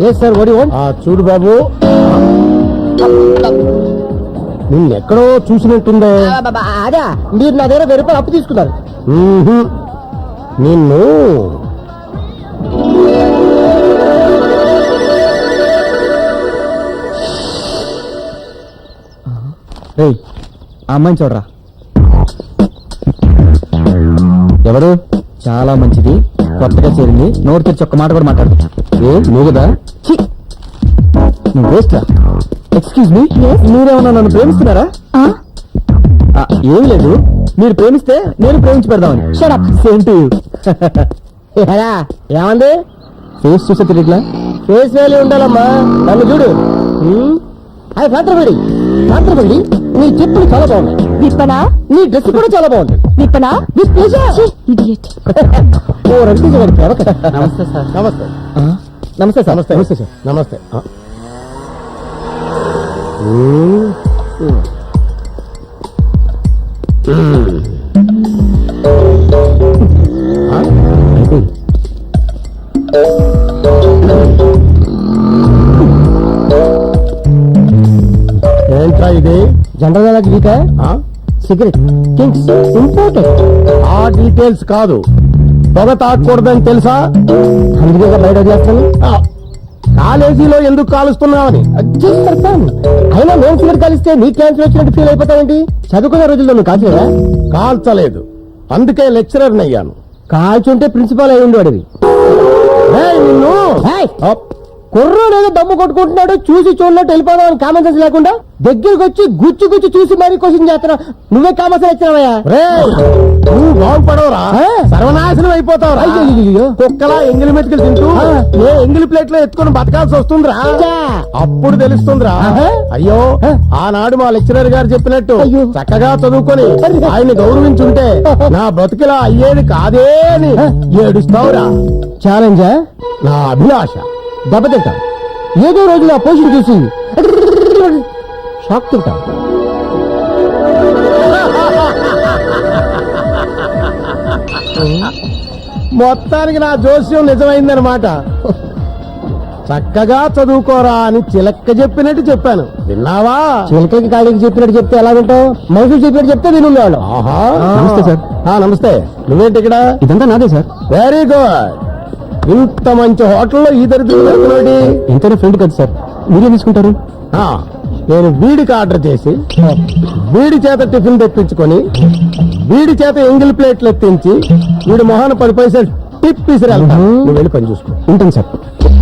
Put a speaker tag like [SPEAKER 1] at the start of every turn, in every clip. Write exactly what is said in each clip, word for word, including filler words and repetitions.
[SPEAKER 1] ఏ sir వడి చూడు బాబు, నిన్నెక్కడో చూసినట్టుందే. అదే మీరు నా దగ్గర వెయ్యి రూపాయలు అప్పు తీసుకున్నారు. నిన్ను ఆ అమ్మాయిని చూడరా. ఎవరు? చాలా మంచిది, కొత్తగా చేరింది, నోరు తెరిచి ఒక్క మాట కూడా మాట్లాడు. ఏ నువ్వు కదా? నువ్వు వేస్ట్ రా. ఎక్స్క్యూజ్ మీ, మీరేమన్నా నన్ను ప్రేమిస్తున్నారా? ఏం లేదు, మీరు ప్రేమిస్తే నేను ప్రేమించి పెడదామని. Same to you. ఏమంది? ఫేస్ చూసే తెలియట్లా? ఫేస్ వేలు ఉండాలమ్మా, నన్ను చూడు. అది పాత్రపడి పాత్రపడి నీ చెప్పులు చాలా బాగుంది. విప్పనా? నీ డ్రెస్ కూడా చాలా బాగుంది. విప్పనా? ఓ రవితేజ గారి ప్రేమ కదా. నమస్తే సార్. నమస్తే నమస్తే సార్. నమస్తే నమస్తే సార్. నమస్తే. ఏంట్రా ఇది? General Geeta cigarette kings important. ఆ డీటెయిల్స్ కాదు, పొగ తాగకూడదని తెలుసా? అందుకే బయట చేస్తాను. కాలేజీలో ఎందుకు కాలుస్తున్నావని. అయినా నేను సిగరెట్ కాలిస్తే నీ క్యాన్సర్ వచ్చినట్టు ఫీల్ అయిపోతావేంటి? చదువుకునే రోజుల్లో నువ్వు కాల్చలేదా? కాల్చలేదు, అందుకే లెక్చరర్ అయ్యాను. కాల్చుంటే ప్రిన్సిపాల్ అయి ఉండేవాడివి. నిన్ను కుర్రోడు ఏదో దమ్ము కొట్టుకుంటున్నాడు, చూసి చూడనట్టు వెళ్ళిపోదామని కామన్ సెన్స్ లేకుండా దగ్గరికి వచ్చి గుచ్చి గుచ్చి చూసి మరీ క్వశ్చన్ చేస్తున్నావు. నువ్వే కామన్ సెన్స్ ఇచ్చినావయ్యా. నువ్వు బాగుపడవరా, సర్వనాశనం అయిపోతావురా. కుక్కలా ఎంగిలి మెతుకులు తింటూ ఏ ఎంగిలి ప్లేట్ లో ఎత్తుకుని బతకాల్సి వస్తుందిరా. అప్పుడు తెలుస్తుందిరా. అయ్యో ఆనాడు మా లెక్చరర్ గారు చెప్పినట్టు చక్కగా చదువుకొని ఆయన్ని గౌరవించుంటే నా బతుకిలా అయ్యేది కాదే అని ఏడుస్తావురా. ఛాలెంజా? నా అభిలాష. దెబ్బతింటా ఏదో రోజు నా పోషన్ చూసి షాక్ తింటా. మొత్తానికి నా జోస్యం నిజమైందనమాట. చక్కగా చదువుకోరా అని చిలక్క చెప్పినట్టు చెప్పాను, విన్నావా? చిలకకి కాళీకి చెప్పినట్టు చెప్తే ఎలా వింటావు? మనుషులు చెప్పినట్టు చెప్తే వినుండేవాళ్ళు. నమస్తే సార్. నమస్తే. నువ్వేంటి ఇక్కడ? ఇదంతా నాదే సార్. Very good. ఇంత మంచి హోటల్లో ఈ దరిద్రుడు ఇంతనే ఫ్రెండ్ కదా సార్, మీరేం తీసుకుంటారు? నేను వీడికి ఆర్డర్ చేసి వీడి చేత టిఫిన్ తెప్పించుకొని వీడి చేత ఎంగిల్ ప్లేట్లు ఎత్తించి వీడి మొహాన పది పైసలు టిప్ తీసిరి వెళ్తాను. నువ్వు వెళ్ళి పని చూసుకో. ఉంటాను సార్.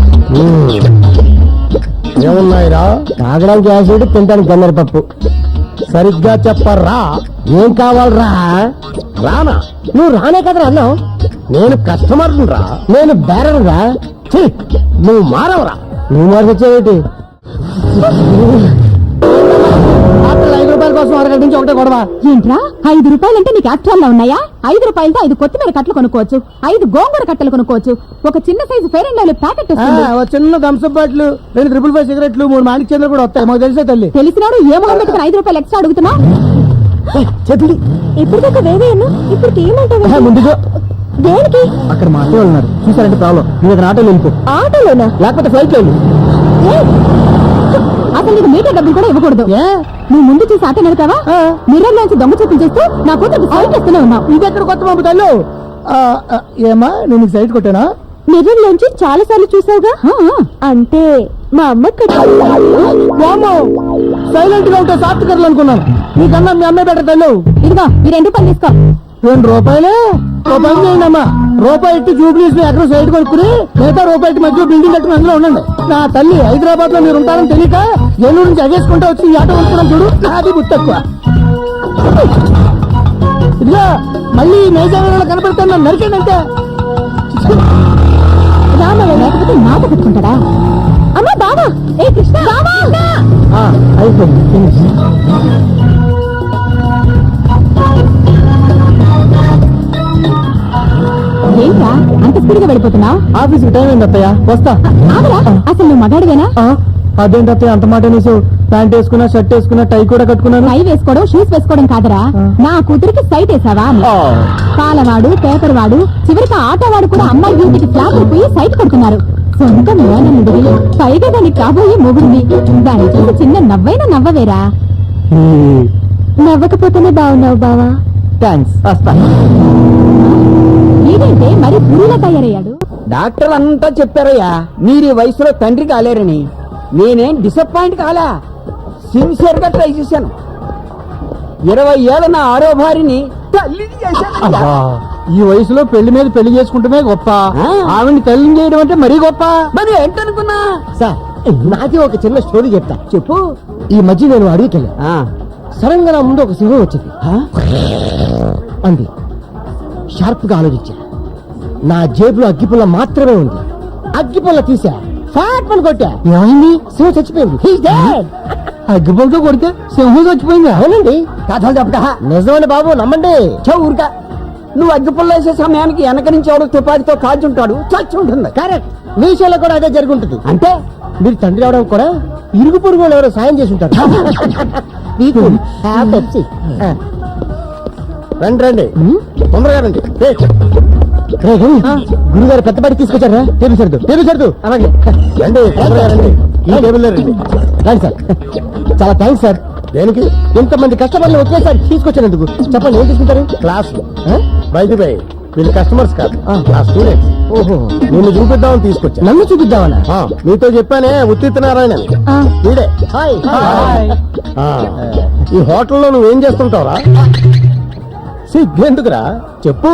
[SPEAKER 1] ఏమున్నాయిరా? తాగడానికి యాసిడ్, తినడానికి గన్నర పప్పు. సరిగ్గా చెప్పరా, ఏం కావాలరా? రానా? నువ్వు రానే కదరా అన్నావు. నేను కస్టమర్ రా, నేను బేరర్ రా. నువ్వు మారవరా. నువ్వు మార్చొచ్చావేటి? ఐదు రూపాయల కోసం అరగంట నుంచి ఒకటే గొడవ. ఏంట్రా ఐదు రూపాయలంటే నీకు యాక్చువల్ ఉన్నాయా? ఐదు రూపాయలతో ఐదు కొత్తిమీర కట్టలు కొనుక్కోవచ్చు, ఐదు గోంగూర కట్టలు కొనుక్కోవచ్చు, ఒక చిన్న size fair and lovely packet, చిన్న థమ్స్అప్ బాటిల్, రెండు ట్రిపుల్ ఫైవ్ సిగరెట్లు, మూడు మాణిక్ చంద్ర కూడా వస్తాయి. మాకు తెలిసే తల్లి. తెలిసినాడు ఏ మొహం పెట్టుకుని ఐదు రూపాయలు ఎక్స్ట్రా అడుగుతున్నా? చెప్పండి. ఇప్పుడు దాకా వేవేయను, ఇప్పుడు ఏమంటావు? ముందుగా దేనికి? అక్కడ మా ఆటో ఉన్నారు, చూసారంటే ప్రాబ్లం. నువ్వు అక్కడ ఆటోలో వెళ్ళిపో. ఆటోలోనా? లేకపోతే ఫ్లైట్ లో. అసలు నీకు మీటర్ డబ్బులు కూడా ఇవ్వకూడదు. నువ్వు ముందు చూసి ఆటో నడుతావా? మిర్రర్ లోంచి దొంగ చూపులు చేస్తూ నా కూతురు సైట్ చేస్తూనే ఉన్నావు. ఇది ఎక్కడ కొత్త పంపుతాను? ఏమా నేను సైట్ కొట్టానా? మిర్రర్ లోంచి చాలా సార్లు చూసావుగా. అంటే మా అమ్మ సైలెంట్ గా ఉంటే సాఫ్ట్వేర్లు అనుకున్నాను. నీకన్నా మీ అమ్మాయి బెటర్ తల్లు. ఇదిగో ఈ రెండు రూపాయలు తీసుకో. రెండు రూపాయలు రూపాయలు చేయండమ్మా. రూపాయి ఇట్టి జూబ్లీస్ ఎక్కడ సైడ్ కొనుక్కుని మిగతా రూపాయి మధ్య బిల్డింగ్ కట్టుకుని అందులో ఉండండి. నా తల్లి హైదరాబాద్ లో మీరు ఉంటారని తెలియక ఏలూరు నుంచి అగేసుకుంటూ వచ్చి ఈ ఆటో కొనుక్కున్నాం చూడు. నాది బుద్ధి తక్కువ. ఇదిగా మళ్ళీ నైజాంలో కనపడతాను, నన్ను నరికేందంటే రామయ్య లేకపోతే మాట పెట్టుకుంటాడా? అమ్మా బావా, ఏ కృష్ణ అయిపోయింది. ఏంట్రా అంత స్పీడ్ గా వెళ్ళిపోతున్నా? ఆఫీస్ కి టైం అయింది అత్తయ్య, వస్తా. అసలు నువ్వు మగాడివేనా? అదేంటి అత్తయ్య అంత మాట అనేసి? ప్యాంట్ వేసుకున్నా, షర్ట్ వేసుకున్నా, టై కూడా కట్టుకున్నాను. టై వేసుకోవడం, షూస్ వేసుకోవడం కాదరా, నా కూతురికి సైట్ వేసావా? పాలవాడు, పేపర్ వాడు, చివరికి ఆటో వాడు కూడా అమ్మాయి వీటికి ఫ్లాట్ అయిపోయి సైట్ కొడుతున్నారు.
[SPEAKER 2] సొంత మేనముడివి పైగా దానికి కాబోయే మొగుడిని దాని చూసి చిన్న నవ్వైనా నవ్వవేరా నవ్వకపోతేనే బాగున్నావు బావా
[SPEAKER 1] థ్యాంక్స్ వస్తా
[SPEAKER 2] ఏంటంటే మరి పురులా తయారయ్యాడు
[SPEAKER 3] డాక్టర్లు అంతా చెప్పారయ్యా మీరు ఈ వయసులో తండ్రి కాలేరని. నేనేం డిసప్పాయింట్ కాలా, సిన్సియర్ గా ట్రై చేశాను. ఇరవై ఏళ్ళ నా ఆరో భార్యని తల్లిని చేశాను.
[SPEAKER 1] ఈ వయసులో పెళ్లి మీద పెళ్లి చేసుకుంటమే గొప్ప, ఆవిడ్ని తల్లిని చేయడం అంటే మరీ గొప్ప.
[SPEAKER 3] మరి ఏంటనుకున్నా
[SPEAKER 1] సార్ నాకే ఒక చిన్న స్టోరీ చెప్తా.
[SPEAKER 3] చెప్పు.
[SPEAKER 1] ఈ మధ్య నేను అడిగికెళ్ళా, సడన్ గా నా ముందు ఒక సింహం వచ్చింది అంది. షార్ప్ గా ఆలోచించా, నా జేబులో అగ్గిపుల్ల మాత్రమే ఉంది. అగ్గిపుల్ల తీసా, ఫ్యాట్ పని కొట్టా, ఏమైంది? సింహం చచ్చిపోయింది. అగ్గిపుల్లతో కొడితే సింహం చచ్చిపోయింది. అవునండి,
[SPEAKER 3] కథలు చెప్తా.
[SPEAKER 1] నిజమండి బాబు, నమ్మండి.
[SPEAKER 3] చూ ఊరికా, నువ్వు అగ్గిపుల్ల వేసే సమయానికి వెనక నుంచి ఎవడో తుపాకితో కాల్చుంటాడు, చచ్చి ఉంటుంది.
[SPEAKER 1] కరెక్ట్, మీ విషయంలో కూడా అదే జరుగుంటుంది.
[SPEAKER 3] అంటే
[SPEAKER 1] మీరు తండ్రి అవడం కూడా ఇరుగు పొరుగు వాళ్ళు ఎవరో సాయం చేసి ఉంటారు. మీకు పెప్సీ. రండి రండి, తొందరగా రండి. గురుగారు పెద్ద బడి తీసుకొచ్చారా? టేబుల్ సర్దు, టేబుల్ సర్దు. అలాగే రండి, తొందరగా రండి. ఈ టేబుల్ రండి. రండి సార్. చాలా థ్యాంక్స్ సార్. దేనికి? ఇంతమంది కస్టమర్లు ఒకేసారి తీసుకొచ్చినందుకు. చెప్పండి, ఏం తీసుకుంటారు? క్లాస్ బయట బై వీళ్ళు కస్టమర్స్ కాదు, నా స్టూడెంట్స్. ఓహో, నిన్ను చూపిద్దామని తీసుకొచ్చా. నన్ను చూపిద్దామన్నా? మీతో చెప్పానే, ఉత్తిత్ నారాయణ వీడే. హాయ్. ఈ హోటల్లో నువ్వేం చేస్తుంటావురా? సిగ్గెందుకురా, చెప్పు.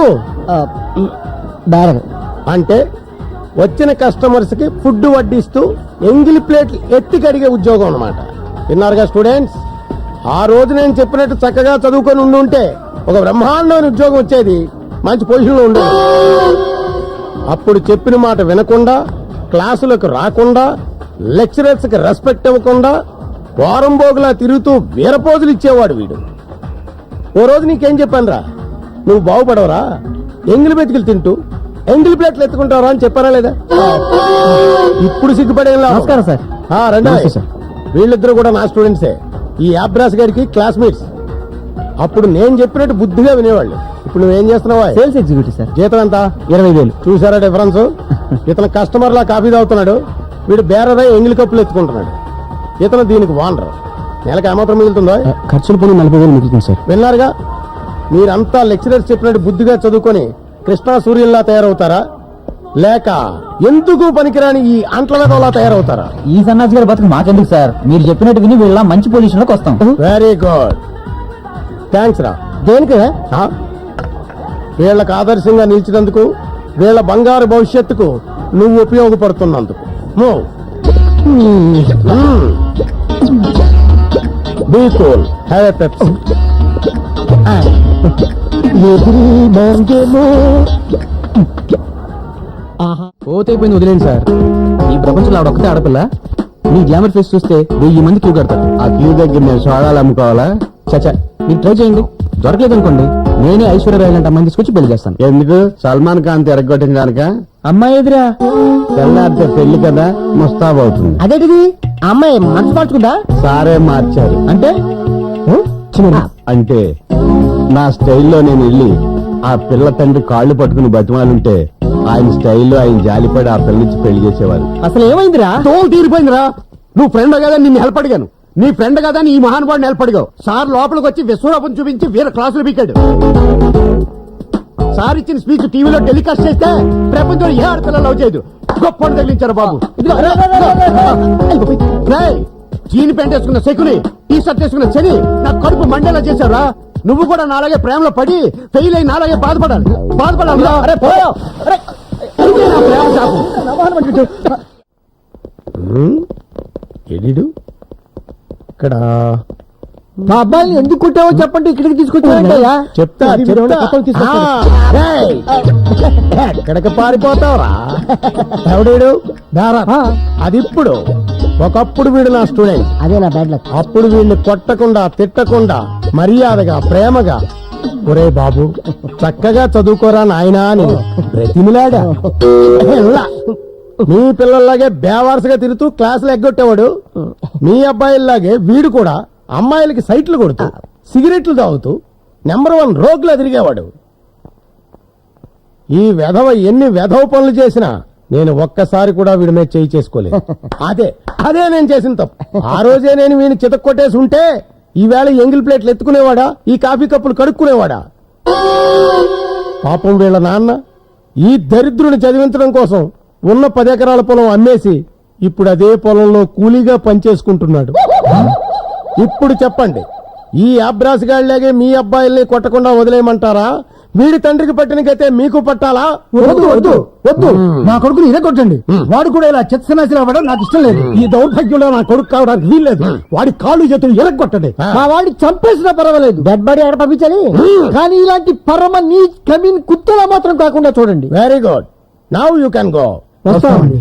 [SPEAKER 1] అంటే వచ్చిన కస్టమర్స్ కి ఫుడ్ వడ్డిస్తూ ఎంగిలి ప్లేట్లు ఎత్తి కడిగే ఉద్యోగం అన్నమాట. విన్నారుగా స్టూడెంట్స్? ఆ రోజు నేను చెప్పినట్టు చక్కగా చదువుకొని ఉండి ఉంటే ఒక బ్రహ్మాండమైన ఉద్యోగం వచ్చేది, మంచి పొజిషన్ లో ఉండేది. అప్పుడు చెప్పిన మాట వినకుండా, క్లాసులకు రాకుండా, లెక్చరర్స్ కి రెస్పెక్ట్ ఇవ్వకుండా, వారం బోగులా తిరుగుతూ వీరపోజులు ఇచ్చేవాడు వీడు. ఓ రోజు నీకేం చెప్పాను రా, నువ్వు బాగుపడవరా, ఎంగిలి బెతికిలు తింటూ ఎంగిలి ప్లేట్లు ఎత్తుకుంటావరా అని చెప్పారా లేదా? ఇప్పుడు సిగ్గుపడే. నమస్కారం సార్. రండి సార్. వీళ్ళిద్దరు కూడా నా స్టూడెంట్సే, ఈ యాబ్రాస్ గారికి క్లాస్మేట్స్. అప్పుడు నేను చెప్పినట్టు బుద్ధిగా వినేవాళ్ళు. ఇప్పుడు నువ్వేం చేస్తున్నావా? Sales executive sir. జీతం ఎంత? ఇరవై వేలు. చూసారా డిఫరెన్స్? ఇతను కస్టమర్ లా కాఫీ తాగుతున్నాడు, వీడు బేరదై ఎంగిలి కప్పులు ఎత్తుకుంటున్నాడు. ఇతను దీనికి వానరు. నెలకు ఏమాత్రం మిగులుతుందో? ఖర్చులు పోయి నలభై వేలు మిగులుతుంది సార్. విన్నారుగా? మీరంతా లెక్చరర్స్ చెప్పినట్టు బుద్ధిగా చదువుకొని కృష్ణా సూర్యుల్లా తయారవుతారా, లేక ఎందుకు పనికిరాని ఈ అంట్ల వెదవలా తయారవుతారా?
[SPEAKER 4] ఈ సన్నాసి గారి బతుకు మాకెందుకు సార్, మీరు చెప్పినట్టు విని వీళ్ళ మంచి పొజిషన్ లోకి వస్తాం.
[SPEAKER 1] వెరీ గుడ్, థ్యాంక్స్ రా. దేనికి? వీళ్ళకి ఆదర్శంగా నిలిచినందుకు, వీళ్ళ బంగారు భవిష్యత్తుకు నువ్వు ఉపయోగపడుతున్నందుకు. Move. Be cool, have a Pepsi.
[SPEAKER 4] పోతైపోయింది, వదిలేండి సార్. ఈ ప్రపంచంలో ఆవిడ ఒక్కతే ఆడపిల్ల. మీ గ్లామర్ ఫేస్ చూస్తే వెయ్యి మంది క్యూ కడతారు.
[SPEAKER 1] ఆ క్యూ దగ్గర నేను సోడాలు అమ్ముకోవాలా?
[SPEAKER 4] చచ్చా, మీరు ట్రై చేయండి. దొరకలేదు అనుకోండి, నేనే ఐశ్వర్య రాయ్ లాంటి అమ్మాయిని తీసుకొచ్చి పెళ్లి చేస్తాను.
[SPEAKER 1] ఎందుకు? సల్మాన్ ఖాన్ ఎరగొట్టిన కనుక?
[SPEAKER 4] అమ్మాయి ఎదురా
[SPEAKER 1] తెల్లారితే పెళ్లి కదా, ముస్తాబవుతుంది.
[SPEAKER 4] అదేంటిది? అమ్మాయి మనసు మార్చుకుందా?
[SPEAKER 1] సారే మార్చారు.
[SPEAKER 4] అంటే
[SPEAKER 1] అంటే నా స్టైల్లో నేను వెళ్ళి ఆ పిల్ల తండ్రి కాళ్ళు పట్టుకుని బతిమాలుంటే ఆయన స్టైల్లో ఆయన జాలిపడి ఆ పిల్ల నుంచి పెళ్లి చేసేవారు.
[SPEAKER 4] అసలు ఏమైందిరా?
[SPEAKER 1] తోలు తీరిపోయిందిరా. నువ్వు ఫ్రెండ్ కదా నిన్ను హెల్ప్ అడిగాను, నీ ఫ్రెండ్ కదా నీ మహానుభావుని హెల్ప్ అడిగావు. సార్ లోపలికి వచ్చి విశ్వరూపం చూపించి వీర క్లాసులు పీకాడు. సార్ ఇచ్చిన స్పీచ్ టీవీలో టెలికాస్ట్ చేస్తే ప్రపంచంలో ఏ ఆడపిల్ల లవ్ చేయదు. గొప్ప తగిలించారు బాబు. జీని ప్యాంట్ వేసుకున్న శకుని, టీ షర్ట్ వేసుకున్న శని నా కడుపు మండేలా చేశారా? నువ్వు కూడా నాలాగే ప్రేమలో పడి ఫెయిల్ అయి నాలాగే బాధపడాలి. బాధపడాలి. ఇక్కడ మా అబ్బాయిని ఎందుకు కుట్టావో చెప్పండి, ఇక్కడికి తీసుకొచ్చావా? చెప్తా ఎక్కడికి పారిపోతావురా ఎవడేడు? అది ఇప్పుడు. ఒకప్పుడు వీడు నా స్టూడెంట్,
[SPEAKER 4] అదే నా బ్యాడ్ లక్.
[SPEAKER 1] అప్పుడు వీడిని కొట్టకుండా తిట్టకుండా మర్యాదగా ప్రేమగా, ఒరే బాబు చక్కగా చదువుకోరా నాయనా అని బ్రతిమిలాడా. మీ పిల్లల్లాగే బేవారసుగా తిరుగుతూ క్లాసులు ఎగ్గొట్టేవాడు. మీ అబ్బాయిల్లాగే వీడు కూడా అమ్మాయిలకి సైట్లు కొడుతూ సిగరెట్లు తాగుతూ నెంబర్ వన్ రోగులా తిరిగేవాడు. ఈ వెధవ ఎన్ని వెధవ పనులు చేసినా నేను ఒక్కసారి కూడా వీడి మీద చేయి చేసుకోలేదు. అదే అదే నేను చేసిన తప్పు. ఆ రోజే నేను వీడిని చితక్కొట్టేసి ఉంటే ఈవేళ ఎంగిల్ ప్లేట్లు ఎత్తుకునేవాడా, ఈ కాఫీ కప్పులు కడుక్కునేవాడా? పాపం వీళ్ళ నాన్న ఈ దరిద్రుని చదివించడం కోసం ఉన్న పది ఎకరాల పొలం అమ్మేసి ఇప్పుడు అదే పొలంలో కూలీగా పనిచేసుకుంటున్నాడు. ఇప్పుడు చెప్పండి, ఈ అబ్రాసిగాళ్లాగే మీ అబ్బాయిల్ని కొట్టకుండా వదిలేయమంటారా? వీడి తండ్రికి పట్టిన గతే మీకు పట్టాలా?
[SPEAKER 5] వద్దు వద్దు వద్దు నా కొడుకుని ఇదే కొట్టండి. వాడు కూడా ఇలా చెత్తనాశలు అవ్వడం నాకు ఇష్టం లేదు.
[SPEAKER 1] ఈ దౌర్భాగ్యంలో నా కొడుకు కావడానికి వీల్లేదు. వాడి కాళ్ళు చేతులు ఎరగొట్టండి.
[SPEAKER 5] మా వాడిని చంపేసినా పర్వాలేదు, డెడ్ బాడీ ఎక్కడ పంపించాలి. కానీ ఇలాంటి పరమ నీ కమీన్ కుత్తలా మాత్రం కాకుండా చూడండి.
[SPEAKER 1] Very good, now you can go.
[SPEAKER 5] వస్తామండి.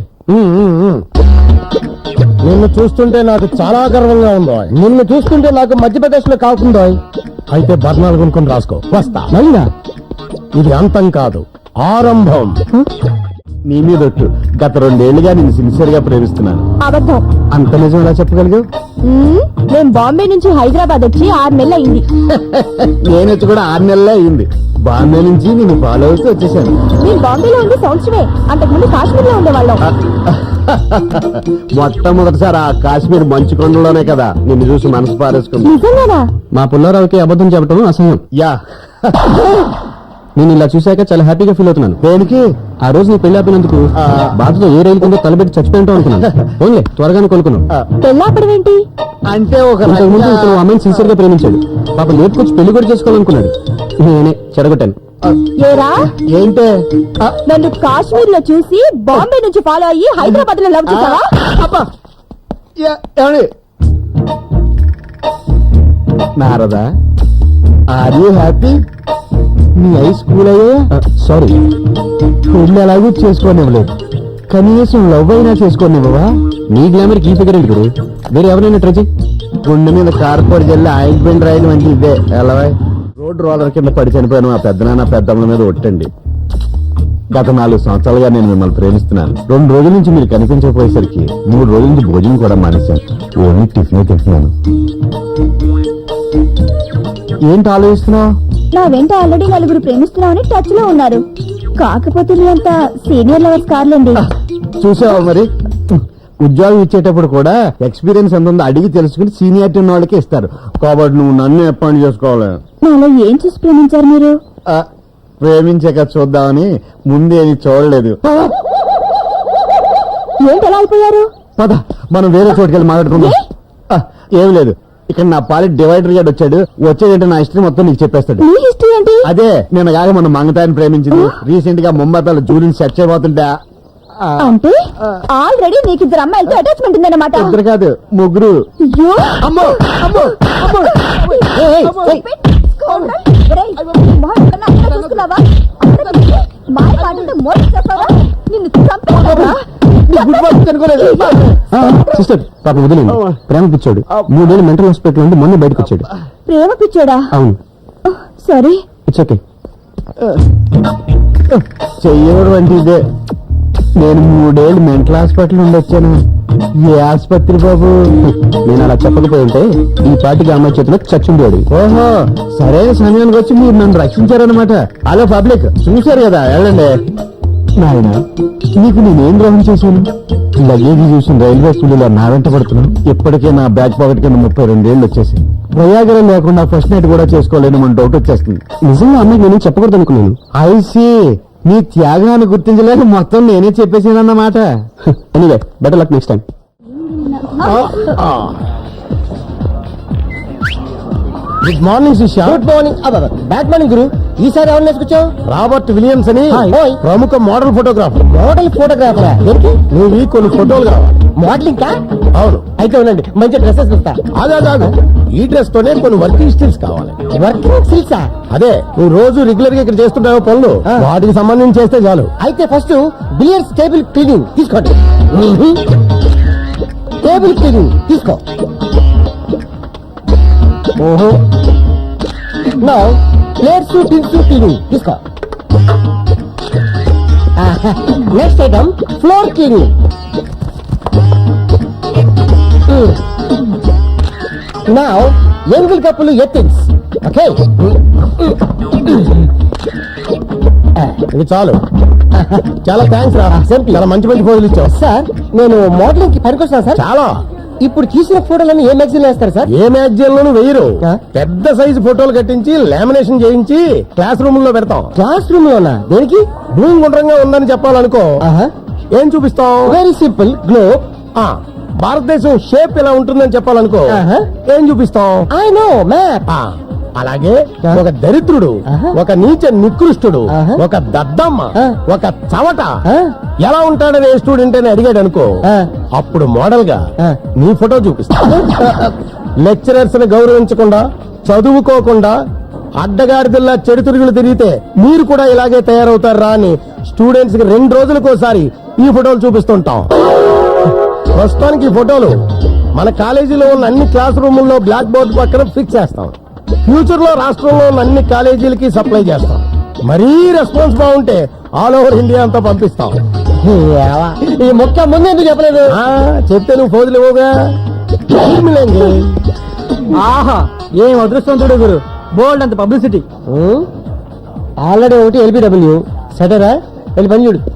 [SPEAKER 1] నిన్ను చూస్తుంటే నాకు చాలా గర్వంగా ఉందో.
[SPEAKER 5] నిన్ను చూస్తుంటే నాకు మధ్యప్రదేశ్ లో కాకుందో.
[SPEAKER 1] అయితే బర్ణాలు కొనుక్కొని రాసుకో. వస్తా.
[SPEAKER 5] నైనా
[SPEAKER 1] ఇది అంతం కాదు, ఆరంభం.
[SPEAKER 6] నీ మీద ఒట్టు, గత రెండేళ్లుగా నేను సిన్సియర్ గా ప్రేమిస్తున్నాను.
[SPEAKER 2] అబద్ధం.
[SPEAKER 6] అంత నిజం ఎలా చెప్పగలిగావు?
[SPEAKER 2] మ్మ్, నేను బాంబే నుంచి హైదరాబాద్ వచ్చి ఆరు నెలలు అయింది.
[SPEAKER 6] నేను వచ్చి కూడా ఆరు నెలలే అయింది. బాంబే నుంచి నేను ఫాలో అవుతూ వచ్చేసాను.
[SPEAKER 2] నేను బాంబేలో ఉంది సంవత్సరమే, అంతకుముందు కాశ్మీర్ లో ఉండేవాళ్ళం.
[SPEAKER 6] మొట్టమొదటిసారి ఆ కాశ్మీర్ మంచు కొండలోనే కదా నిన్ను చూసి మనసు పారేసుకుంది.
[SPEAKER 2] నిజంగానా?
[SPEAKER 4] మా పుల్లారావుకి అబద్ధం చెప్పడం అసహ్యం.
[SPEAKER 6] యా
[SPEAKER 4] నేను ఇలా చూశాక చాలా హ్యాపీగా ఫీల్ అవుతున్నాను.
[SPEAKER 6] దేనికి?
[SPEAKER 4] ఆ రోజు నీ పెళ్లి ఆపినందుకు బాధతో ఏ రైలు కింద తలబెట్టి చచ్చిపోయింటావు అనుకున్నాను. ఓన్లే త్వరగానే కోలుకున్నాను.
[SPEAKER 2] పెళ్ళాపడం ఏంటి?
[SPEAKER 6] అంటే ఒక
[SPEAKER 4] ఇంతకు ముందు
[SPEAKER 6] రకంగా-
[SPEAKER 4] ఇతను అమ్మాయిని సిన్సియర్ గా ప్రేమించాడు. పాప లేపుకొచ్చి పెళ్లి కూడా చేసుకోవాలనుకున్నాడు. నేనే చెడగొట్టాను.
[SPEAKER 2] ఏరా,
[SPEAKER 6] ఏంటే?
[SPEAKER 2] నన్ను కాశ్మీర్ లో చూసి బాంబే నుంచి ఫాలో అయ్యి హైదరాబాద్ లో లవ్ చేసావా?
[SPEAKER 6] అబ్బా! యా- ఏమండి? Narada, are you happy? నీ హై స్కూల్ అయ్యే
[SPEAKER 4] సారీ,
[SPEAKER 6] పెళ్లి ఎలాగూ చేసుకోనివ్వలేదు, కనీసం లవ్ అయినా చేసుకోనివ్వవా?
[SPEAKER 4] నీ గ్లామర్ కీ ఫిగర్ ఏంటి గురు? వేరే ఎవరైనా ట్రై చేయి.
[SPEAKER 6] గుండె మీద కార్పోర్ జల్లి ఆయింట్మెంట్ రాయడం అంటే ఇదే ఎలా? రోడ్ రోలర్ కింద పడి చనిపోయిన మా పెద్దనాన్న పెద్దమ్మల మీద ఒట్టండి. గత నాలుగు సంవత్సరాలుగా నేను మిమ్మల్ని ప్రేమిస్తున్నాను. రెండు రోజుల నుంచి మీరు కనిపించకపోయేసరికి మూడు రోజుల నుంచి భోజనం కూడా మానేశాను. ఓన్లీ టిఫిన్ తింటున్నాను. ఏంటి ఆలోచిస్తున్నావు?
[SPEAKER 2] నా వెంట ఆల్రెడీ నలుగురు ప్రేమిస్తున్నామని టచ్ లో ఉన్నారు. కాకపోతే మీ అంత సీనియర్ లవర్స్ కార్లండి.
[SPEAKER 6] చూసావా మరి, ఉద్యోగం ఇచ్చేటప్పుడు కూడా ఎక్స్పీరియన్స్ ఎంత ఉందో అడిగి తెలుసుకుని సీనియారిటీ ఉన్న వాళ్ళకే ఇస్తారు. కాబట్టి నువ్వు నన్ను అపాయింట్ చేసుకోవాలి.
[SPEAKER 2] నాలో ఏం చూసి ప్రేమించారు మీరు?
[SPEAKER 6] ఆ, ప్రేమించాక చూద్దామని ముందేమి చూడలేదు.
[SPEAKER 2] ఏంటి ఎలా అయిపోయారు?
[SPEAKER 6] పద మనం వేరే చోటుకి వెళ్ళి మాట్లాడుకుందాం. ఆ, ఏం లేదు, ఇక్కడ నా పాలి డివైడర్ గాడు వచ్చాడు. వచ్చేదంటే నా హిస్టరీ మొత్తం నీకు చెప్పేస్తాడు.
[SPEAKER 2] మీ హిస్టరీ ఏంటి?
[SPEAKER 6] అదే నేను కాక మన మంగతాయిని ప్రేమించింది. రీసెంట్ గా ముంబైలో జూలిని సెట్ చేయబోతుంటా. ఆ,
[SPEAKER 2] అంటే ఆల్రెడీ నీకు ఇద్దరు అమ్మాయిలతో అటాచ్మెంట్ ఉందన్నమాట.
[SPEAKER 6] ఇద్దరు కాదు, ముగ్గురు.
[SPEAKER 2] అయ్యో!
[SPEAKER 6] అమ్మో అమ్మో అమ్మో! ఏయ్, ఏయ్, ఏయ్.
[SPEAKER 2] ఒరేయ్, నీ మొహం ఎక్కడన్నా అక్కడ చూసుకున్నావా? అక్కడ చూసి మాయ మాటలతో మోసం చేస్తావా? నిన్ను చంపేస్తావా?
[SPEAKER 6] నీ గుడ్ మార్నింగ్ అనుకోలేదు.
[SPEAKER 4] సిస్టర్ పాప వదిలేదు. ప్రేమ పిచ్చాడు. మూడేళ్ళు మెంటల్ హాస్పిటల్ నుండి మొన్న బయటకు వచ్చాడు.
[SPEAKER 2] ప్రేమ పిచ్చోడా?
[SPEAKER 4] అవును,
[SPEAKER 2] సారీ.
[SPEAKER 4] It's okay.
[SPEAKER 6] చెయ్యవడం అంటే ఇదే. నేను మూడేళ్ళు మెంటల్ హాస్పిటల్ నుండి వచ్చాను. ఏ ఆసుపత్రి బాబు?
[SPEAKER 4] నేను అలా చెప్పకపోయి ఉంటే ఈ పాటికి అమ్మాయి చేతిలో చచ్చుండేవాడు.
[SPEAKER 6] ఓహో, సరైన సమయానికి వచ్చి మీరు నన్ను రక్షించారనమాట. హలో పబ్లిక్, చూశారు కదా, వెళ్ళండి. నాయన, నీకు నేనేం ద్రోహం చేశాను? లగేజ్ చూసిన రైల్వే స్కూల్లో నా వెంట పడుతున్నాను. ఇప్పటికే నా బ్యాక్ పాకెట్ కింద ముప్పై రెండేళ్లు వచ్చేసి ప్రయాగరం లేకుండా ఫస్ట్ నైట్ కూడా చేసుకోలేని మన డౌట్ వచ్చేస్తుంది.
[SPEAKER 4] నిజంగా అమ్మాయికి నేను చెప్పకూడదు అనుకున్నాను.
[SPEAKER 6] ఐసీ, నీ త్యాగాన్ని గుర్తించలేక మొత్తం నేనే చెప్పేసానన్నమాట.
[SPEAKER 4] Anyway, better luck next time.
[SPEAKER 1] Good morning శిష్య.
[SPEAKER 5] Good morning. బ్యాడ్ మార్నింగ్ గురు. ఈసారి ఎవరిని వేసుకొచ్చావు?
[SPEAKER 1] రాబర్ట్ విలియమ్స్ అని
[SPEAKER 5] హాయ్.
[SPEAKER 1] ప్రముఖ మోడల్ ఫోటోగ్రాఫర్.
[SPEAKER 5] మోడల్ ఫోటోగ్రాఫరా? ఏంటి
[SPEAKER 1] నువ్వు కొన్ని ఫోటోలు కావాలి.
[SPEAKER 5] మోడలింగ్ కా?
[SPEAKER 1] అవును.
[SPEAKER 5] అయితే ఉండండి, మంచి డ్రెస్సెస్ ఇస్తా.
[SPEAKER 1] అదే కాదు, ఈ డ్రెస్ తోనే కొన్ని వర్కింగ్ స్టిల్స్ కావాలి.
[SPEAKER 5] వర్కింగ్ సిల్సా?
[SPEAKER 1] అదే నువ్వు రోజు రెగ్యులర్ గా ఇక్కడ చేస్తుంటావు పనులు,
[SPEAKER 5] ఆ.
[SPEAKER 1] వాటికి సంబంధించి చేస్తే చాలు.
[SPEAKER 5] అయితే ఫస్ట్ బిలియర్స్ టేబుల్ క్లీనింగ్ తీసుకోండి. టేబుల్ క్లీనింగ్ తీసుకో. ఓహో. నౌ ప్లేట్స్ టిన్స్ క్లీనింగ్ తీసుకో. Next item floor cleaning. Now ఎంగిల్ కప్పులు ఎత్తిన్స్. ఓకే,
[SPEAKER 1] ఇది చాలు. చాలా థ్యాంక్స్ రా చాలా మంచి మంచి ఫోటోలు ఇచ్చావు.
[SPEAKER 5] సార్ నేను మోడలింగ్ కి పనికొస్తాను సార్.
[SPEAKER 1] చాలా
[SPEAKER 5] ఇప్పుడు తీసిన ఫోటోలను ఏ మ్యాగజైన్ వేస్తారు సార్?
[SPEAKER 1] ఏ మ్యాగజైన్ లోను వెయ్యరు.
[SPEAKER 5] ఆ?
[SPEAKER 1] పెద్ద సైజు ఫోటోలు కట్టించి లామినేషన్ చేయించి క్లాస్ రూమ్ లో పెడతాం.
[SPEAKER 5] క్లాస్ రూమ్ లోనా? దేనికి?
[SPEAKER 1] భూమి గుండ్రంగా ఉందని చెప్పాలనుకో,
[SPEAKER 5] ఆహా,
[SPEAKER 1] ఏం చూపిస్తాం?
[SPEAKER 5] Very simple, globe.
[SPEAKER 1] ఆ, భారతదేశం షేప్ ఇలా ఉంటుందని చెప్పాలనుకో,
[SPEAKER 5] ఆహా.
[SPEAKER 1] ఏం చూపిస్తాం?
[SPEAKER 5] I know map.
[SPEAKER 1] ఆ, అలాగే ఒక దరిద్రుడు,
[SPEAKER 5] ఆహా.
[SPEAKER 1] ఒక నీచ నికృష్టుడు,
[SPEAKER 5] ఆహా.
[SPEAKER 1] ఒక దద్దమ్మ,
[SPEAKER 5] ఆ.
[SPEAKER 1] ఒక చవట
[SPEAKER 5] ఆ?
[SPEAKER 1] ఎలా ఉంటాడని ఏ స్టూడెంట్ అని అడిగాడు అనుకో,
[SPEAKER 5] ఆ.
[SPEAKER 1] అప్పుడు మోడల్ గా
[SPEAKER 5] ఆ.
[SPEAKER 1] నీ ఫోటో చూపిస్తా. లెక్చరర్స్ ని గౌరవించకుండా, చదువుకోకుండా, అడ్డగాడిదల్లా చెడు తిరుగులు తిరిగితే మీరు కూడా ఇలాగే తయారవుతారా అని స్టూడెంట్స్ కి రెండు రోజులకోసారి ఈ ఫోటోలు చూపిస్తుంటాం. ప్రస్తుతానికి ఈ ఫోటోలు మన కాలేజీలో ఉన్న అన్ని క్లాస్ రూముల్లో బ్లాక్ బోర్డు పక్కన ఫిక్స్ చేస్తాం. ఫ్యూచర్ లో రాష్ట్రంలో ఉన్న అన్ని కాలేజీలకి సప్లై చేస్తాం. మరీ రెస్పాన్స్ బాగుంటే ఆల్ ఓవర్ ఇండియా అంతా పంపిస్తాం.
[SPEAKER 5] ఏవా, ఈ మొక్క ముందు ఎందుకు చెప్పలేదు?
[SPEAKER 1] ఆ, చెప్తే నువ్వు ఫోజులు ఇవ్వగా.
[SPEAKER 4] ఆహా ఏం అదృష్టవంతుడు గురు, బోల్డ్ అంత పబ్లిసిటీ.
[SPEAKER 5] ఆల్రెడీ ఒకటి ఎల్బిడబ్ల్యూ సటరా, వెళ్ళి పని చూడు.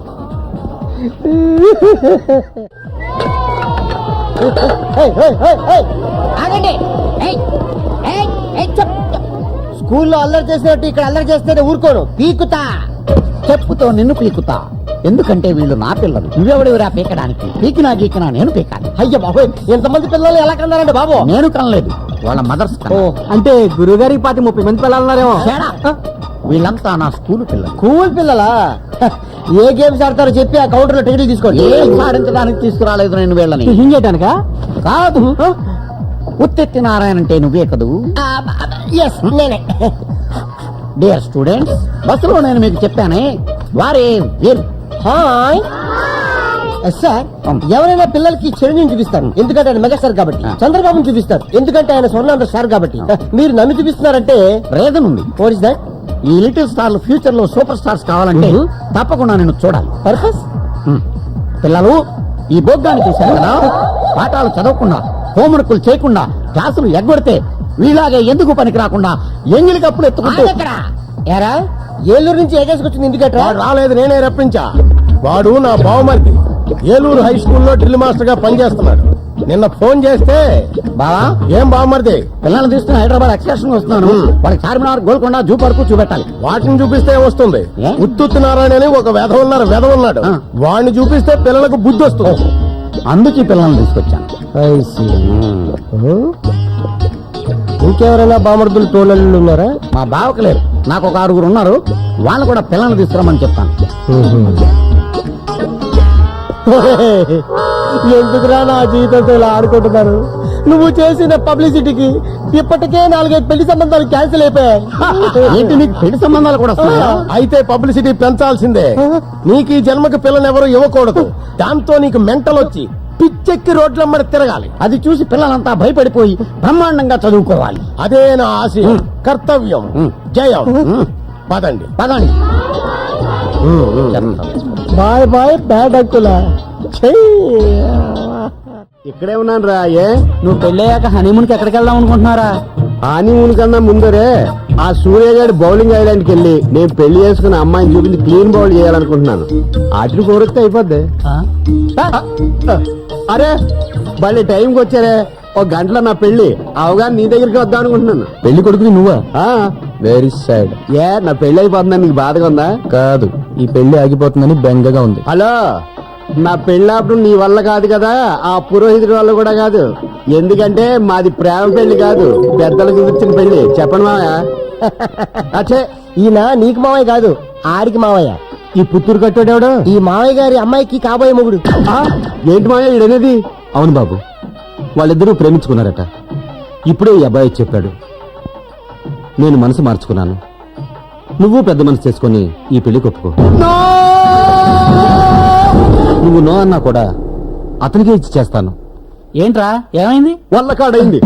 [SPEAKER 5] ఏయ్, ఏయ్, ఏయ్, ఏయ్.
[SPEAKER 3] ఆగండి. ఏయ్, ఏయ్, ఏయ్, చెప్, చెప్.
[SPEAKER 5] స్కూల్లో అల్లరి చేసినట్టు ఇక్కడ అల్లరి చేస్తే ఊరుకోను, పీకుతా.
[SPEAKER 3] చెప్పుతో నిన్ను పీకుతా. ఎందుకంటే వీళ్ళు నా పిల్లలు. నువ్వెవడివిరా పీకడానికి? పీకినా గీకినా నేను పీకాలి.
[SPEAKER 5] అయ్య బాబోయ్, ఎంతమంది పిల్లలు ఎలా కన్నారండి బాబు?
[SPEAKER 3] నేను కనలేదు, వాళ్ళ మదర్స్
[SPEAKER 5] ఓ,
[SPEAKER 4] అంటే గురుగారి పాతి ముప్పై మంది పిల్లలున్నారేమో.
[SPEAKER 3] వీళ్ళంతా నా స్కూల్ పిల్లలు.
[SPEAKER 5] కూల్ పిల్లలా? ఏ గేమ్స్ ఆడతారో చెప్పి ఆ కౌంటర్ లో టికెట్లు తీసుకోండి.
[SPEAKER 3] ఏం సాధించడానికి తీసుకురాలేదు నేను వీళ్ళని.
[SPEAKER 4] హింగేటానికా?
[SPEAKER 3] కాదు, ఉత్తెత్తి నారాయణ అంటే నువ్వే కదూ.
[SPEAKER 5] ఎస్, నేనే.
[SPEAKER 3] డియర్ స్టూడెంట్స్, బస్సులో నేను మీకు చెప్పానే, వారే వీరు.
[SPEAKER 5] Hi sir. ఎవరైనా పిల్లలకి చిరంజీవిని చూపిస్తారు ఎందుకంటే ఆయన మెగాస్టార్ కాబట్టి. చంద్రబాబుని చూపిస్తారు ఎందుకంటే ఆయన స్వర్ణాంధ్ర స్టార్ కాబట్టి. మీరు నన్ను చూపిస్తున్నారంటే
[SPEAKER 3] రీజన్ ఉంది.
[SPEAKER 5] What is that?
[SPEAKER 3] ఈ లిటిల్ స్టార్లు ఫ్యూచర్ లో సూపర్ స్టార్స్ కావాలంటే తప్పకుండా నేను చూడాలి.
[SPEAKER 5] పర్పస్?
[SPEAKER 3] హ్మ్. పిల్లలు, ఈ బోగ్గాన్ని చూశారు కదా, పాఠాలు చదవకుండా, హోంవర్కులు చేయకుండా, క్లాసులు ఎగ్గొడితే వీళ్ళాగే ఎందుకు పనికి రాకుండా ఎంగిలి కప్పులు ఎత్తుకుంటూ
[SPEAKER 5] ఎరా, ఏలూరు నుంచి ఏకేసుకొచ్చింది ఎందుకట్రా?
[SPEAKER 1] వాడు రాలేదు, నేనే రప్పించా. వాడు నా బావమరిది, ఏలూరు హై స్కూల్లో డ్రిల్ మాస్టర్ గా పనిచేస్తున్నాడు. నిన్న ఫోన్ చేస్తే,
[SPEAKER 3] బావా
[SPEAKER 1] ఏం బావమరిది,
[SPEAKER 3] పిల్లల్ని తీసుకుని హైదరాబాద్ ఎక్స్కర్షన్ వస్తున్నాను, వాళ్ళకి చార్మినార్, గోల్కొండ, జూ పార్కు చూపెట్టాలి.
[SPEAKER 1] వాటిని చూపిస్తే వస్తుంది.
[SPEAKER 3] ఏ?
[SPEAKER 1] ఉత్తుత్తి నారాయణ అని ఒక వెధ ఉన్నారు, వెధ ఉన్నాడు.
[SPEAKER 3] ఆ.
[SPEAKER 1] వాడిని చూపిస్తే పిల్లలకు బుద్ధి వస్తుంది.
[SPEAKER 3] అందుకే పిల్లల్ని తీసుకొచ్చాను.
[SPEAKER 5] ఇంకెవరైనా బామర్దులు తోళ్ళు ఉన్నారా?
[SPEAKER 3] మా బావకు లేరు, నాకు ఒక ఆరుగురు ఉన్నారు. వాళ్ళు కూడా పిల్లల్ని తీసుకురమ్మని చెప్తాను.
[SPEAKER 5] ఎందుకురా నా జీవితంతో ఇలా ఆడుకుంటున్నారు? నువ్వు చేసిన పబ్లిసిటీకి ఇప్పటికే నాలుగైదు పెళ్లి సంబంధాలు క్యాన్సిల్ అయిపోయాయి.
[SPEAKER 3] ఏంటి, నీకు పెళ్లి సంబంధాలు కూడా వస్తున్నాయా?
[SPEAKER 1] అయితే పబ్లిసిటీ పెంచాల్సిందే. నీకు ఈ జన్మకి పిల్లని ఎవరు ఇవ్వకూడదు. దాంతో నీకు మెంటల్ వచ్చి పిచ్చెక్కి రోడ్లమ్మడి తిరగాలి.
[SPEAKER 3] అది చూసి పిల్లలంతా భయపడిపోయి బ్రహ్మాండంగా చదువుకోవాలి.
[SPEAKER 1] అదే నా ఆశయం, కర్తవ్యం,
[SPEAKER 3] ఉమ్.
[SPEAKER 1] జయం. పదండి.
[SPEAKER 3] పదండి.
[SPEAKER 5] బాయ్ బాయ్ బ్యాడ్ అంకులా.
[SPEAKER 6] ఇక్కడే ఉన్నాను రా. ఏ
[SPEAKER 4] నువ్వు పెళ్ళయ్యాక హనీమూన్ కి ఎక్కడికి వెళ్దాం అనుకుంటున్నారా?
[SPEAKER 6] హానీమూన్ కన్నా ముందరే ఆ సూర్యగాడి బౌలింగ్ ఐలాండ్ కి వెళ్ళి నేను పెళ్లి చేసుకున్న అమ్మాయిని చూపించి క్లీన్ బౌల్ చేయాలనుకుంటున్నాను. ఆటలు కోరిస్తే అయిపోద్ది. అరే మళ్ళీ టైంకి వచ్చారే, ఒక గంటలో నా పెళ్లి అవగానే నీ దగ్గరికి వద్దాం అనుకుంటున్నాను.
[SPEAKER 4] పెళ్లి కొడుకుని నువ్వా? Very sad.
[SPEAKER 6] ఏ నా పెళ్లి అయిపోతుందని నీకు బాధగా ఉందా?
[SPEAKER 4] కాదు, ఈ పెళ్లి ఆగిపోతుందని బెంగగా ఉంది.
[SPEAKER 6] హలో, నా పెళ్ళప్పుడు నీ వల్ల కాదు కదా, ఆ పురోహితుడి వల్ల కూడా కాదు. ఎందుకంటే మాది ప్రేమ పెళ్లి కాదు, పెద్దలకు కూర్చుని పెళ్లి. చెప్పండి మావయ్య.
[SPEAKER 5] అచ్చే, ఈయన నీకు మావయ్య కాదు, ఆడికి మావయ్య.
[SPEAKER 6] ఈ పుత్తూరు కట్టోడేవాడు
[SPEAKER 5] ఈ మావయ్య గారి అమ్మాయికి కాబోయే మొగుడు.
[SPEAKER 6] ఏంటి మావయ్య ఈడనేది?
[SPEAKER 4] అవును బాబు, వాళ్ళిద్దరూ ప్రేమించుకున్నారట. ఇప్పుడే ఈ అబ్బాయి చెప్పాడు. నేను మనసు మార్చుకున్నాను. నువ్వు పెద్ద మనసు చేసుకుని ఈ పెళ్లి కొప్పుకో. నువ్వు నో అన్నా కూడా అతనికే ఇచ్చి చేస్తాను. ఏంట్రా, ఏమైంది?
[SPEAKER 6] వల్ల కాడైంది.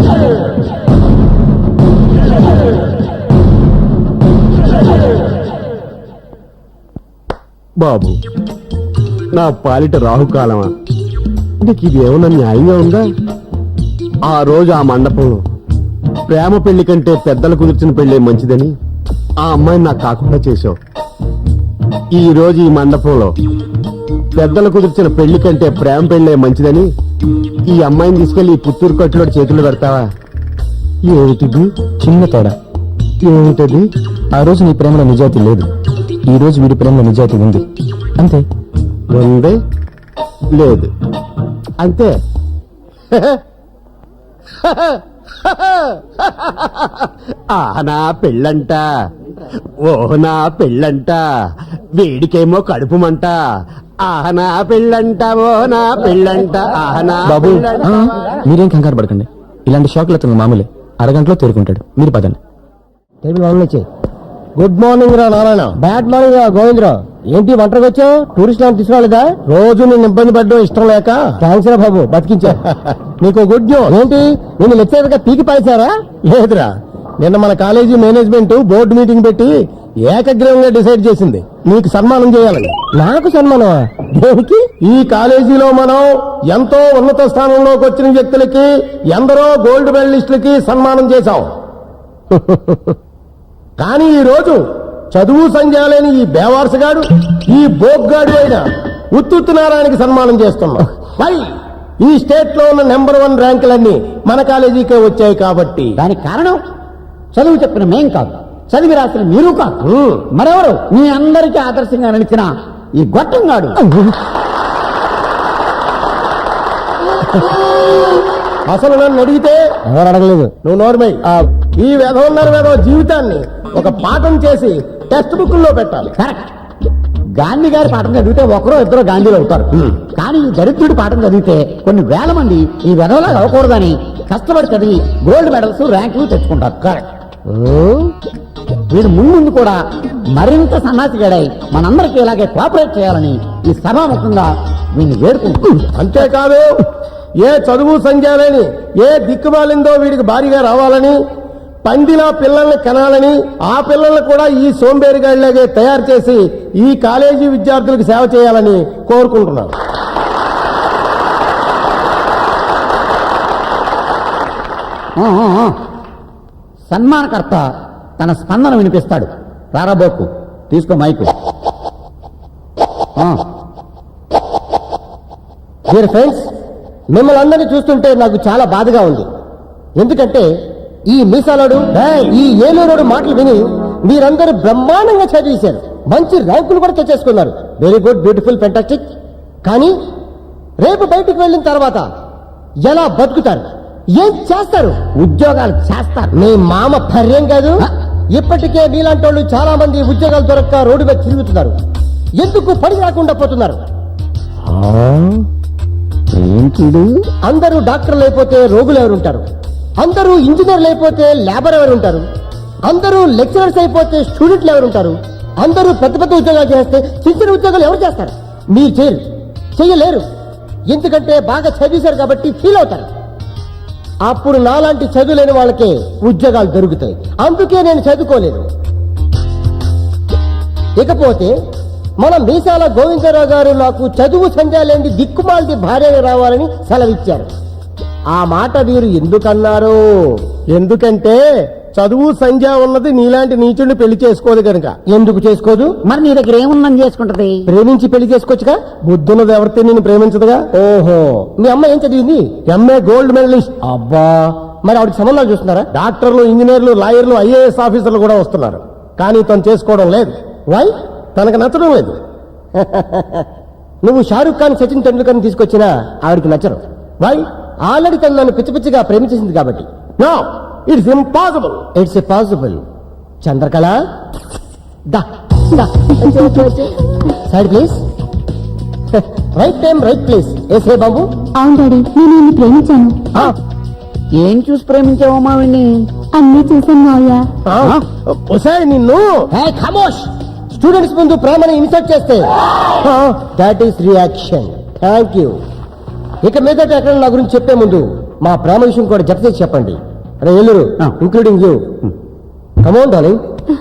[SPEAKER 6] బాబు, నా పాలిట రాహుకాలమా, నీకు ఇది ఏమన్నా న్యాయంగా ఉందా? ఆ రోజు ఆ మండపంలో ప్రేమ పెళ్లి కంటే పెద్దలు కుదిర్చిన పెళ్లి మంచిదని ఆ అమ్మాయిని నాకు కాకుండా చేశావు. ఈ రోజు ఈ మండపంలో పెద్దలు కుదిర్చిన పెళ్లి కంటే ప్రేమ పెళ్ళే మంచిదని ఈ అమ్మాయిని తీసుకెళ్లి ఈ పుత్తూరు కట్టులో చేతులు పెడతావా?
[SPEAKER 1] ఏమిటిది? చిన్న తేడా. ఏమిటది? ఆ రోజు నీ ప్రేమలో నిజాయితీ లేదు, ఈ రోజు వీడి ప్రేమలో నిజాయితీ ఉంది, అంతే.
[SPEAKER 6] ఉంది లేదు అంతే. ఆ నా పెళ్ళంట, ఓ నా పెళ్ళంట, వేడికేమో కడుపు మంట. ఆహ నా పెళ్ళంట, ఓ నా పెళ్ళంట, ఆహ నా
[SPEAKER 1] బాబు
[SPEAKER 6] పెళ్ళంట.
[SPEAKER 1] ఆ, మీరేం కంగారు పడకండి, ఇలాంటి షాక్లు అతను మామూలే, అరగంటలో తేరుకుంటాడు, మీరు పదండి.
[SPEAKER 5] టేబుల్ వన్ నుంచి. గుడ్ మార్నింగ్ రా నారాయణ. బ్యాడ్ మార్నింగ్ రా గోవిందరావు. ఏంటి ఒంటరికి వచ్చావు? టూరిస్ట్ లాంటి తీసుకురాలేదా? రోజు నేను ఇబ్బంది పడ్డం ఇష్టం లేక. థ్యాంక్స్ రా బాబు, బతికించా. నీకు గుడ్ న్యూస్. ఏంటి, నేను లెక్చరర్ గా పీకి పారేశారా? లేదురా, నిన్న మన కాలేజీ మేనేజ్మెంట్ బోర్డు మీటింగ్ పెట్టి ఏకగ్రీవంగా డిసైడ్ చేసింది నీకు సన్మానం చేయాలని. నాకు సన్మానం? దేనికి? ఈ కాలేజీలో మనం ఎంతో ఉన్నత స్థానంలోకి వచ్చిన వ్యక్తులకి, ఎందరో గోల్డ్ మెడలిస్టులకి సన్మానం చేశాం. కానీ ఈ రోజు చదువు సంధ్యాలేని ఈ బేవార్సగాడు, ఈ బోగ్గాడు అయిన ఉత్తుత్తు నారాయణకి సన్మానం చేస్తున్నాం. వై? ఈ స్టేట్ లో ఉన్న నెంబర్ వన్ ర్యాంకులన్నీ మన కాలేజీకే వచ్చాయి కాబట్టి.
[SPEAKER 3] దానికి కారణం చదువు చెప్పిన మేం కాదు, చదివి రాసిన మీరు కాదు, మరెవరు? మీ అందరికీ ఆదర్శంగా నిలిచిన ఈ గొట్టంగాడు.
[SPEAKER 5] అసలు నన్ను అడిగితే ఎవరు అడగలేదు, నువ్వు నోర్మై. ఈ వెధవన్నర వెధవ జీవితాన్ని ఒక పాఠం చేసి టెక్స్ట్ బుక్ లో పెట్టాలి.
[SPEAKER 3] కరెక్ట్. గాంధీ గారి పాఠం చదివితే ఒకరో ఇద్దరు గాంధీలు అవుతారు, కానీ ఈ దరిద్రుడి పాఠం చదివితే కొన్ని వేల మంది ఈ వెధవలా అవ్వకూడదని కష్టపడి చదివి గోల్డ్ మెడల్స్ ర్యాంకులు తెచ్చుకుంటారు. కరెక్ట్. వీడు ముందు కూడా మరింత సన్నాసిగాడై మనందరికీ ఇలాగే కోఆపరేట్ చేయాలని ఈ సభాముఖంగా వీడిని వేడుకుంటుంది.
[SPEAKER 5] అంతేకాదు, ఏ చదువు సంధ్యాలని ఏ దిక్కుమాలిందో వీడికి భారీగా రావాలని, పందిలా పిల్లల్ని కనాలని, ఆ పిల్లల్ని కూడా ఈ సోంబేరిగాడిలాగే తయారు చేసి ఈ కాలేజీ విద్యార్థులకు సేవ చేయాలని కోరుకుంటున్నాను.
[SPEAKER 3] ఆ, ఆ, ఆ. సన్మానకర్త తన స్పందన వినిపిస్తాడు. రారాబోకు, తీసుకో మైకు.
[SPEAKER 5] డియర్ ఫ్రెండ్స్, మిమ్మల్ని అందరినీ చూస్తుంటే నాకు చాలా బాధగా ఉంది. ఎందుకంటే ఈ మీసాలోడు, ఈ ఏలూరోడు మాటలు విని మీరందరూ బ్రహ్మాండంగా చదివేశారు, మంచి ర్యాంకులు కూడా తెచ్చేసుకున్నారు. Very good, beautiful, fantastic. కానీ రేపు బయటికి వెళ్ళిన తర్వాత ఎలా బతుకుతారు, ఏం చేస్తారు?
[SPEAKER 3] ఉద్యోగాలు చేస్తారు.
[SPEAKER 5] మీ మామ పర్యం కాదు. ఇప్పటికే మీలాంటి వాళ్ళు చాలా మంది ఉద్యోగాలు దొరక్క రోడ్డు మీద తిరుగుతున్నారు. ఎందుకు పని రాకుండా పోతున్నారు? అందరూ డాక్టర్లు అయిపోతే రోగులు ఎవరుంటారు? అందరూ ఇంజనీర్లు అయిపోతే లేబర్ ఎవరుంటారు? అందరూ లెక్చరర్స్ అయిపోతే స్టూడెంట్లు ఎవరుంటారు? అందరూ పెద్ద పెద్ద ఉద్యోగాలు చేస్తే చిన్న చిన్న ఉద్యోగాలు ఎవరు చేస్తారు? మీరు చేయరు, చెయ్యలేరు. ఎందుకంటే బాగా చదివేశారు కాబట్టి ఫీల్ అవుతారు. అప్పుడు నాలాంటి చదువులేని వాళ్ళకే ఉద్యోగాలు దొరుకుతాయి. అందుకే నేను చదువుకోలేదు. ఇకపోతే మన మీసాల గోవిందరావు గారు నాకు చదువు సంధ్యాలేంది దిక్కుమాలది భార్యగా రావాలని సెలవిచ్చారు. ఆ మాట వీరు ఎందుకన్నారు? ఎందుకంటే చదువు సంధ్య ఉన్నది నీలాంటి నీచుడిని పెళ్లి చేసుకోదు కనుక. ఎందుకు చేసుకోదు?
[SPEAKER 3] మరి నీ దగ్గర ఏముందని చేసుకుంటది?
[SPEAKER 5] ప్రేమించి పెళ్లి చేసుకోవచ్చుగా. బుద్ధున్నది ఎవరితే నేను ప్రేమించదుగా. ఓహో, మీ అమ్మ ఏం చదివింది? MA gold medalist. అబ్బా, మరి ఆవిడకి సంబంధాలు చూస్తున్నారా? డాక్టర్లు, ఇంజనీర్లు, లాయర్లు, ఐఏఎస్ ఆఫీసర్లు కూడా వస్తున్నారు. కానీ తను చేసుకోవడం లేదు. వై? తనకు నచ్చడం లేదు. నువ్వు షారూక్ ఖాన్, సచిన్ టెండూల్కర్ తీసుకొచ్చినా ఆవిడకి నచ్చరు. వై? ఆల్రెడీ తను నన్ను పిచ్చి పిచ్చిగా ప్రేమించేసింది కాబట్టి. No, it's impossible. It's possible. Chandrakala, దా దా side please. Right time, right place. ఏసే బాబు.
[SPEAKER 2] అవును డాడీ, నేను నిన్ను ప్రేమించాను.
[SPEAKER 3] ఏం చూసి ప్రేమించావమ్మా వీణ్ణి?
[SPEAKER 2] అన్నీ చూసాను మావయ్య.
[SPEAKER 5] ఒసారి నిన్ను ఖమోష్. స్టూడెంట్స్ ముందు ప్రేమని ఇన్సల్ట్ చేస్తే that is reaction. Thank you. ఇక మీదట ఎక్కడ నా గురించి చెప్పే ముందు మా ప్రేమ విషయం కూడా జత చేసి చెప్పండి. అరే ఎల్లురు, ఇంక్లూడింగ్ యూ. Come on darling.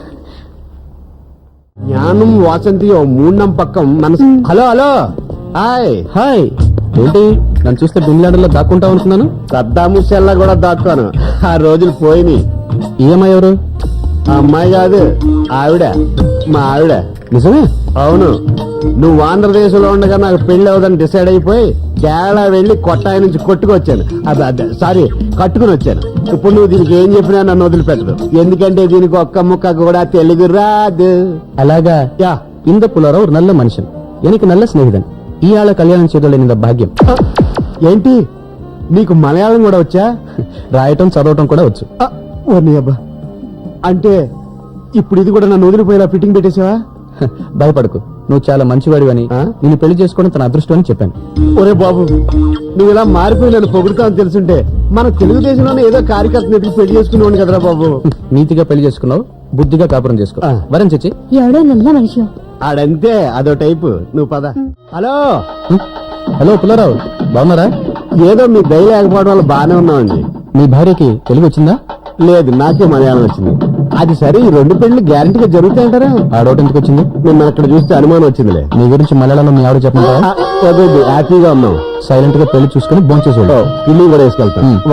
[SPEAKER 6] జ్ఞానం వాసంతి ఓ మూడం పక్కం మనసు. Hello hello, hi
[SPEAKER 1] hi. ఏంటి నన్ను చూస్తే బిన్లాడలో దాక్కుంటావు అనుకున్నాను.
[SPEAKER 6] సద్దాముషల్లా కూడా దాక్కాను. ఆ రోజులు పోయినాయి.
[SPEAKER 1] ఈఎంఐ ఎవరు?
[SPEAKER 6] ఆ అమ్మాయి కాదు,
[SPEAKER 1] ఆవిడ మా ఆవిడ
[SPEAKER 4] నిజమే?
[SPEAKER 1] అవును. నువ్వు ఆంధ్రదేశంలో ఉండగా నాకు పెళ్లి అవదని డిసైడ్ అయిపోయి కేరళ వెళ్ళి కొట్టాయి నుంచి కొట్టుకొచ్చాను. అదే అదే సారీ కట్టుకుని వచ్చాను. ఇప్పుడు నువ్వు దీనికి ఏం చెప్పినా నన్ను వదిలిపెట్టదు. ఎందుకంటే దీనికి ఒక్క ముక్క కూడా తెలుగు రాదు.
[SPEAKER 4] అలాగా?
[SPEAKER 1] యా.
[SPEAKER 4] இந்த புலரோ ஒரு நல்ல மனுஷன், எனக்கு நல்ல స్నేహితుడు. ఈ ఆళ కళ్యాణం చేయడం ఇంత భాగ్యం.
[SPEAKER 1] ఏంటి నీకు మలయాళం కూడా వచ్చా?
[SPEAKER 4] రాయటం చదవటం కూడా వచ్చు.
[SPEAKER 1] ఆ, ఓ నీ అబ్బా. అంటే ఇప్పుడు ఇది కూడా నన్ను వదిలిపోయేలా ఫిట్టింగ్ పెట్టేసావా?
[SPEAKER 4] భయపడకు, నువ్వు చాలా మంచివాడివని,
[SPEAKER 1] ఆ?
[SPEAKER 4] నిన్ను పెళ్లి చేసుకోవడం తన అదృష్టం అని చెప్పాను.
[SPEAKER 1] ఒరే బాబు, నువ్వు ఇలా మారిపోయి నన్ను పొగుడుతావని తెలుసుంటే మన తెలుగుదేశంలోనే ఏదో కార్యకర్తను ఎదుగు పెళ్లి చేసుకునేవాడిని కదరా బాబు.
[SPEAKER 4] నీతిగా పెళ్లి చేసుకున్నావు, బుద్ధిగా కాపురం చేసుకో.
[SPEAKER 1] ఆ.
[SPEAKER 4] వరం చచ్చి.
[SPEAKER 2] ఎవడో నల్ల మనిషి.
[SPEAKER 1] ఆడంతే, అదో టైపు. నువ్వు పద. హలో
[SPEAKER 4] హలో పుల్లారావు, బాగున్నారా?
[SPEAKER 1] ఏదో మీ దయ లేకపోవడం వల్ల బాగానే ఉన్నామండి.
[SPEAKER 4] మీ భార్యకి తెలుగు వచ్చిందా?
[SPEAKER 1] లేదు, నాకే మలయాళం వచ్చింది. అది సరే, ఈ రెండు పెళ్లి గ్యారంటీగా జరుగుతాయంటారా?
[SPEAKER 4] ఆ డౌట్ ఎందుకు వచ్చింది?
[SPEAKER 1] నిన్న అక్కడ చూస్తే అనుమానం వచ్చిందిలే.
[SPEAKER 4] నీ గురించి మలయాళంలో మీ ఆవిడ చెప్పంటారా?
[SPEAKER 1] ఆ, వద్దు, వద్దు, హ్యాపీగా ఉన్నాం.
[SPEAKER 4] సైలెంట్ గా పెళ్లి చూసుకుని భోంచేసి వెళ్ళు.
[SPEAKER 1] పిల్లి కూడా వేసుకెళ్తాం.